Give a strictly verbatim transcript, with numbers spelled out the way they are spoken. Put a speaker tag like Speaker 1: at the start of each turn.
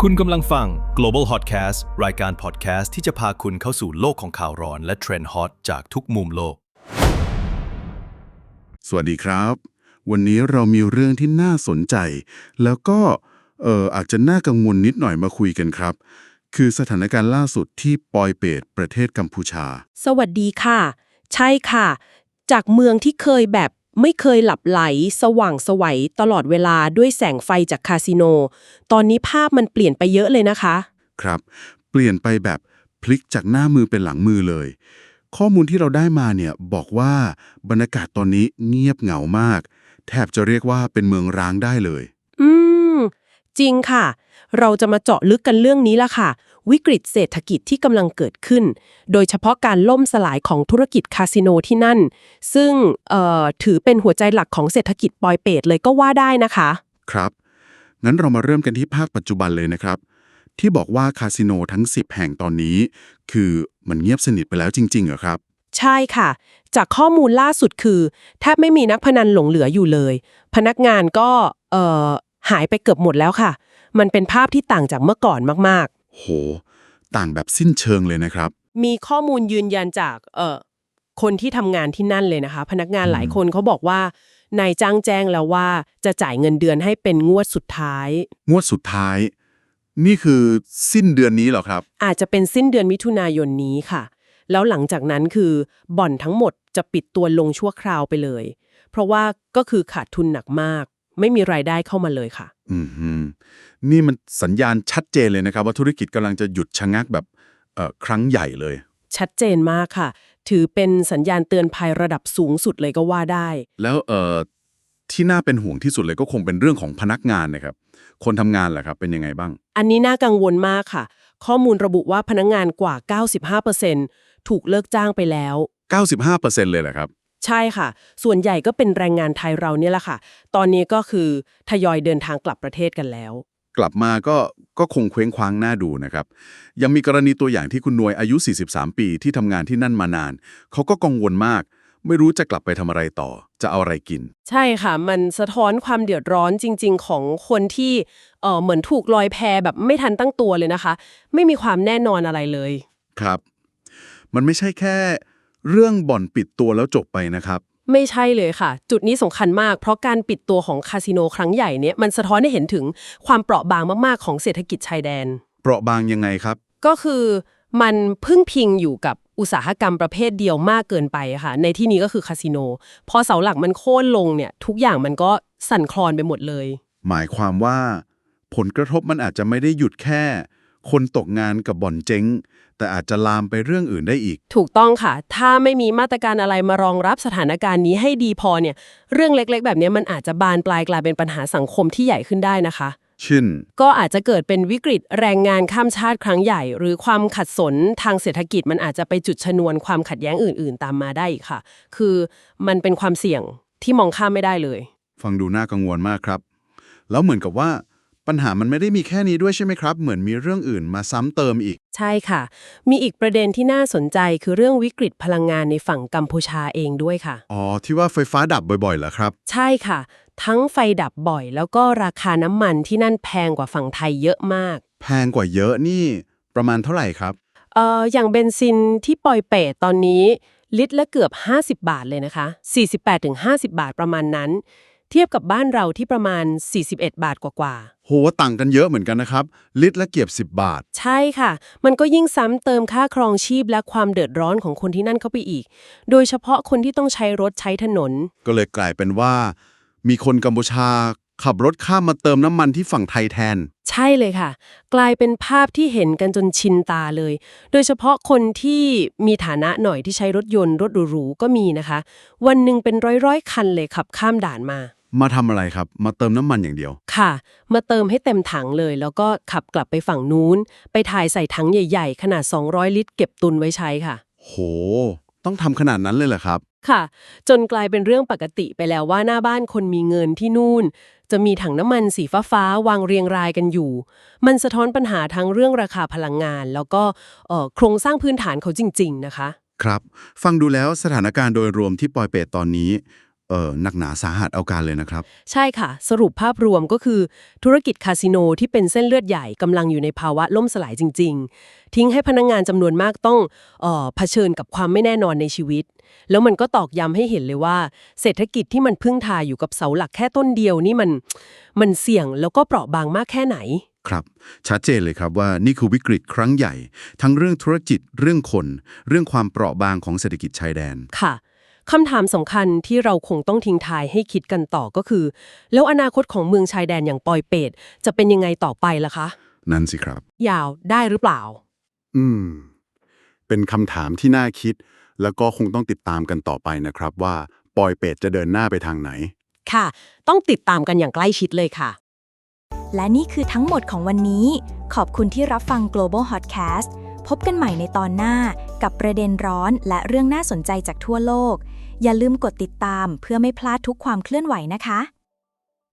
Speaker 1: คุณกำลังฟัง Global Hotcast รายการ podcast ที่จะพาคุณเข้าสู่โลกของข่าวร้อนและเทรนด์ฮอตจากทุกมุมโลก
Speaker 2: สวัสดีครับ วันนี้เรามีเรื่องที่น่าสนใจ แล้วก็เอ่ออาจจะน่ากังวลนิดหน่อยมาคุยกันครับ คือสถานการณ์ล่าสุดที่ปอยเปตประเทศกัมพูชา
Speaker 3: สวัสดีค่ะ ใช่ค่ะ จากเมืองที่เคยแบบไม่เคยหลับไหลสว่างไสวตลอดเวลาด้วยแสงไฟจากคาสิโน ตอนนี้ภาพมันเปลี่ยนไปเยอะเลยนะคะ
Speaker 2: ครับ เปลี่ยนไปแบบพลิกจากหน้ามือเป็นหลังมือเลย ข้อมูลที่เราได้มาเนี่ยบอกว่าบรรยากาศตอนนี้เงียบเหงามาก แทบจะเรียกว่าเป็นเมืองร้างได้เลย
Speaker 3: อืม จริงค่ะ เราจะมาเจาะลึกกันเรื่องนี้ละค่ะ วิกฤตเศรษฐกิจที่กำลังเกิดขึ้น โดยเฉพาะการล่มสลายของธุรกิจคาสิโนที่นั่น ซึ่งเอ่อถือเป็นหัวใจหลักของเศรษฐกิจปอยเปตเลยก็ว่าได้นะคะ
Speaker 2: ครับ งั้นเรามาเริ่มกันที่ภาคปัจจุบันเลยนะครับ ที่บอกว่าคาสิโนทั้งสิบแห่งตอนนี้ คือมันเงียบสนิทไปแล้วจริงๆเหรอครับ
Speaker 3: ใช่ค่ะ จากข้อมูลล่าสุดคือแทบไม่มีนักพนันหลงเหลืออยู่เลย พนักงานก็เอ่อหายไปเกือบหมดแล้วค่ะ มันเป็นภาพที่ต่างจากเมื่อก่อนมาก
Speaker 2: โห ต่างแบบสิ้นเชิงเลยนะครับ
Speaker 3: ๆ มีข้อมูลยืนยันจากเอ่อคนที่ทำงานที่นั่นเลยนะคะ พนักงานหลายคนเขาบอกว่านายจ้างแจ้งแล้วว่าจะจ่ายเงินเดือนให้เป็นงวดสุดท้าย
Speaker 2: งวดสุดท้าย นี่คือสิ้นเดือนนี้เหรอครับ
Speaker 3: อาจจะเป็นสิ้นเดือนมิถุนายนนี้ค่ะ แล้วหลังจากนั้นคือบ่อนทั้งหมดจะปิดตัวลงชั่วคราวไปเลย เพราะว่าก็คือขาดทุนหนักมาก ไม่มีรายได้เข้ามาเลยค่ะ
Speaker 2: อืมฮึนี่มันสัญญาณชัดเจนเลยนะครับ ว่าธุรกิจกำลังจะหยุดชะงักแบบเอ่อครั้งใหญ่เลย
Speaker 3: ชัดเจนมากค่ะ ถือเป็นสัญญาณเตือนภัยระดับสูงสุดเลยก็ว่าได้
Speaker 2: แล้วเอ่อที่น่าเป็นห่วงที่สุดเลยก็คงเป็นเรื่องของพนักงานนะครับ คนทำงานแหละครับ เป็นยังไงบ้าง
Speaker 3: อันนี้น่ากังวลมากค่ะ ข้อมูลระบุว่าพนักงานกว่า เก้าสิบห้าเปอร์เซ็นต์ ถูกเลิกจ้างไปแล้ว
Speaker 2: เก้าสิบห้าเปอร์เซ็นต์ เลยเหรอครับ
Speaker 3: ใช่ค่ะ ส่วนใหญ่ก็เป็นแรงงานไทยเราเนี่ยแหละค่ะ ตอนนี้ก็คือทยอยเดินทางกลับประเทศกันแล้ว
Speaker 2: กลับมาก็ก็คงเคว้งคว้างน่าดูนะครับ ยังมีกรณีตัวอย่างที่คุณนวยอายุ สี่สิบสาม ปีที่ทำงานที่นั่นมานาน เขาก็กังวลมาก ไม่รู้จะกลับไปทำอะไรต่อ จะเอาอะไรกิน
Speaker 3: ใช่ค่ะ มันสะท้อนความเดือดร้อนจริงๆของคนที่เอ่อเหมือนถูกลอยแพแบบไม่ทันตั้งตัวเลยนะคะ ไม่มีความแน่นอนอะไรเลย
Speaker 2: ครับ มันไม่ใช่แค่เรื่องบ่อนปิดตัวแล้วจบไปนะครับ
Speaker 3: ไม่ใช่เลยค่ะ จุดนี้สำคัญมาก เพราะการปิดตัวของคาสิโนครั้งใหญ่เนี่ยมันสะท้อนให้เห็นถึงความเปราะบางมากๆของเศรษฐกิจชายแดน
Speaker 2: เปราะบางยังไงครับ
Speaker 3: ก็คือมันพึ่งพิงอยู่กับอุตสาหกรรมประเภทเดียวมากเกินไปค่ะ ในที่นี้ก็คือคาสิโน พอเสาหลักมันโค่นลงเนี่ยทุกอย่างมันก็สั่นคลอนไปหมดเลย
Speaker 2: หมายความว่าผลกระทบมันอาจจะไม่ได้หยุดแค่ คนตกงานกับบ่อนเจ๊ง แต่อาจจะลามไปเรื่องอื่นได้อีก
Speaker 3: ถูกต้องค่ะ ถ้าไม่มีมาตรการอะไรมารองรับสถานการณ์นี้ให้ดีพอเนี่ย เรื่องเล็กๆ แบบนี้มันอาจจะบานปลายกลายเป็นปัญหาสังคมที่ใหญ่ขึ้นได้นะคะ
Speaker 2: เช่น
Speaker 3: ก็อาจจะเกิดเป็นวิกฤตแรงงานข้ามชาติครั้งใหญ่ หรือความขัดสนทางเศรษฐกิจมันอาจจะไปจุดชนวนความขัดแย้งอื่นๆ ตามมาได้อีกค่ะ คือมันเป็นความเสี่ยงที่มองข้ามไม่ได้เลย
Speaker 2: ฟังดูน่ากังวลมากครับ แล้วเหมือนกับว่าปัญหามันไม่ได้มีแค่นี้ด้วยใช่ไหมครับ เหมือนมีเรื่องอื่นมาซ้ำเติมอีก
Speaker 3: ใช่ค่ะ มีอีกประเด็นที่น่าสนใจคือเรื่องวิกฤตพลังงานในฝั่งกัมพูชาเองด้วยค่ะ
Speaker 2: อ๋อ ที่ว่าไฟฟ้าดับบ่อยๆเหรอครับ
Speaker 3: ใช่ค่ะ ทั้งไฟดับบ่อย แล้วก็ราคาน้ำมันที่นั่นแพงกว่าฝั่งไทยเยอะมาก
Speaker 2: แพงกว่าเยอะนี่ประมาณเท่าไหร่ครับ
Speaker 3: เอ่ออย่างเบนซินที่ปอยเปตตอนนี้ลิตรละเกือบห้าสิบบาทเลยนะคะ สี่สิบแปดถึงห้าสิบ บาทประมาณนั้น เทียบกับบ้านเราที่ประมาณสี่สิบเอ็ดบาทกว่าๆ
Speaker 2: โหต่างกันเยอะเหมือนกันนะครับ ลิตรละเกือบสิบบาท
Speaker 3: ใช่ค่ะ มันก็ยิ่งซ้ำเติมค่าครองชีพและความเดือดร้อนของคนที่นั่นเข้าไปอีก โดยเฉพาะคนที่ต้องใช้รถใช้ถนน
Speaker 2: ก็เลยกลายเป็นว่า มีคนกัมพูชาขับรถข้ามมาเติมน้ำมันที่ฝั่งไทยแทน
Speaker 3: ใช่เลยค่ะ กลายเป็นภาพที่เห็นกันจนชินตาเลย โดยเฉพาะคนที่มีฐานะหน่อยที่ใช้รถยนต์รถหรูๆก็มีนะคะ วันหนึ่งเป็นร้อยๆคันเลยขับข้ามด่านมา
Speaker 2: มาทำอะไรครับ มาเติมน้ำมันอย่างเดียว
Speaker 3: ค่ะ มาเติมให้เต็มถังเลย แล้วก็ขับกลับไปฝั่งนู้น ไปถ่ายใส่ถังใหญ่ๆ ขนาด สองร้อย ลิตรเก็บตุนไว้ใช้ค่ะ
Speaker 2: โห ต้องทำขนาดนั้นเลยเหรอครับ
Speaker 3: ค่ะ จนกลายเป็นเรื่องปกติไปแล้วว่าหน้าบ้านคนมีเงินที่นู่น จะมีถังน้ำมันสีฟ้าๆวางเรียงรายกันอยู่ มันสะท้อนปัญหาทั้งเรื่องราคาพลังงาน แล้วก็เอ่อโครงสร้างพื้นฐานเขาจริงๆนะคะ
Speaker 2: ครับ ฟังดูแล้วสถานการณ์โดยรวมที่ปอยเปตตอนนี้เอ่อหนักหนาสาหัสเอาการเลยนะครับ
Speaker 3: ใช่ค่ะ สรุปภาพรวมก็คือธุรกิจคาสิโนที่เป็นเส้นเลือดใหญ่กำลังอยู่ในภาวะล่มสลายจริงๆ ทิ้งให้พนักงานจำนวนมากต้องเอ่อเผชิญกับความไม่แน่นอนในชีวิต แล้วมันก็ตอกย้ำให้เห็นเลยว่า เศรษฐกิจที่มันพึ่งทาอยู่กับเสาหลักแค่ต้นเดียวนี่มันมันเสี่ยงแล้วก็เปราะบางมากแค่ไหน
Speaker 2: ครับชัดเจนเลยครับว่านี่คือวิกฤตครั้งใหญ่ ทั้งเรื่องธุรกิจเรื่องคน เรื่องความเปราะบางของเศรษฐกิจชายแดน
Speaker 3: ค่ะคำถามสำคัญที่เราคงต้องทิ้งท้ายให้คิดกันต่อก็คือ แล้วอนาคตของเมืองชายแดนอย่างปอยเปตจะเป็นยังไงต่อไปล่ะคะ
Speaker 2: นั่นสิครับ
Speaker 3: ยาวได้หรือเปล่า
Speaker 2: อืม เป็นคำถามที่น่าคิด แล้วก็คงต้องติดตามกันต่อไปนะครับว่าปอยเป็ดจะเดินหน้าไปทางไหน
Speaker 3: ค่ะ ต้องติดตามกันอย่างใกล้ชิดเลยค่ะ
Speaker 4: และนี่คือทั้งหมดของวันนี้ ขอบคุณที่รับฟัง Global Hotcast พบกันใหม่ในตอนหน้ากับประเด็นร้อนและเรื่องน่าสนใจจากทั่วโลก อย่าลืมกดติดตามเพื่อไม่พลาดทุกความเคลื่อนไหวนะคะ